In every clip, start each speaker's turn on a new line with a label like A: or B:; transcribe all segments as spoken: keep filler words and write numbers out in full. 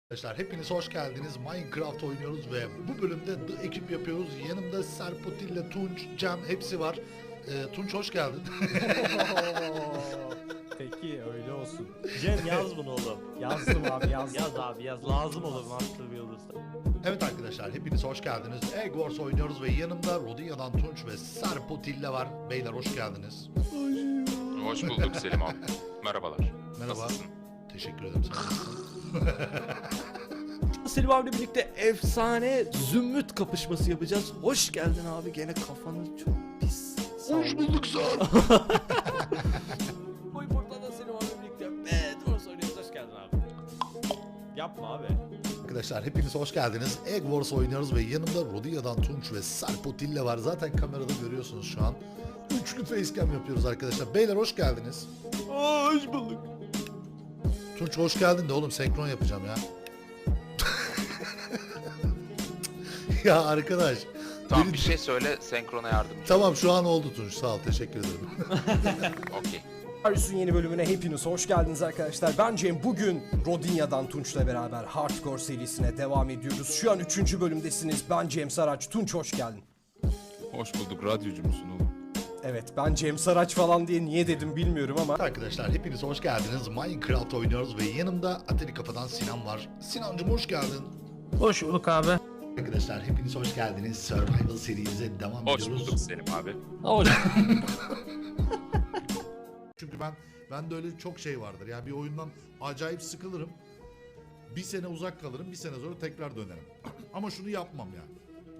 A: Arkadaşlar hepiniz hoş geldiniz. Minecraft oynuyoruz ve bu bölümde The ekip yapıyoruz. Yanımda Serpotille, Tunç, Cem hepsi var. Ee, Tunç hoş geldin.
B: Peki öyle olsun.
C: Cem yaz bunu oğlum.
B: Yazdım abi yazdım.
C: Yaz abi yaz. Lazım olur Master Builders'ta.
A: Evet arkadaşlar hepiniz hoş geldiniz. Egg Wars oynuyoruz ve yanımda Rodinya'dan Tunç ve Serpotille var. Beyler hoş geldiniz.
D: Hoş bulduk Selim abi. Merhabalar.
A: Merhaba.
D: Nasılsın?
A: Teşekkür ederim. Sen nasılsın?
C: Selim abiyle birlikte efsane zümrüt kapışması yapacağız. Hoş geldin abi. Gene kafanı çok pis.
A: Hoş bulduk sen.
C: Boy portada Selim abiyle birlikte Bedwars oynuyoruz. Hoş geldin abi.
B: Yapma abi.
A: Arkadaşlar hepiniz hoş geldiniz. Egg Wars oynuyoruz ve yanımda Rodinya'dan Tunç ve Serpotille var. Zaten kamerada görüyorsunuz şu an. Üçlü facecam yapıyoruz arkadaşlar. Beyler hoş geldiniz.
C: Hoş bulduk.
A: Tunç hoş geldin de oğlum senkron yapacağım ya. Ya arkadaş.
D: Tamam
A: beni-
D: bir şey söyle senkrona yardımcı.
A: Tamam şu an oldu Tunç sağ ol teşekkür ederim.
D: Okey.
B: Arius'un yeni bölümüne hepiniz hoş geldiniz arkadaşlar. Ben Cem. Bugün Rodinya'dan Tunç'la beraber Hardcore serisine devam ediyoruz. Şu an üçüncü bölümdesiniz. Ben Cem Saraç. Tunç hoş geldin.
E: Hoş bulduk. Radyocu musun oğlum?
B: Evet, ben Cem Saraç falan diye niye dedim bilmiyorum ama
A: Arkadaşlar hepiniz hoş geldiniz. Minecraft oynuyoruz ve yanımda Atari Kafa'dan Sinan var. Sinancım hoş geldin.
C: Hoş bulduk abi.
A: Arkadaşlar hepiniz hoş geldiniz. Survival serimize devam
D: Hoş
A: ediyoruz.
D: bulduk Selim abi.
C: Hoş.
A: Çünkü ben ben de öyle çok şey vardır. Yani bir oyundan acayip sıkılırım. Bir sene uzak kalırım, bir sene sonra tekrar dönerim. Ama şunu yapmam yani.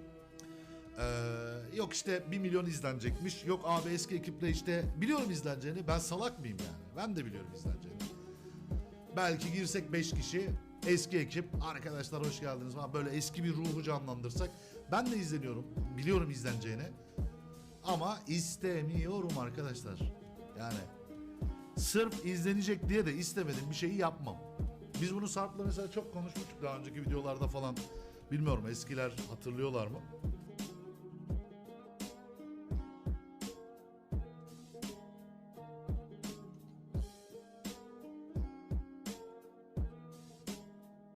A: Ee, yok işte bir milyon izlenecekmiş. Yok abi eski ekiple işte biliyorum izleneceğini. Ben salak mıyım yani? Ben de biliyorum izleneceğini. Belki girsek beş kişi eski ekip arkadaşlar hoş geldiniz falan böyle eski bir ruhu canlandırsak ben de izleniyorum. Biliyorum izleneceğini. Ama istemiyorum arkadaşlar. Yani sırf izlenecek diye de istemediğim bir şeyi yapmam. Biz bunu Sarp'la mesela çok konuşmuştuk daha önceki videolarda falan. Bilmiyorum eskiler hatırlıyorlar mı?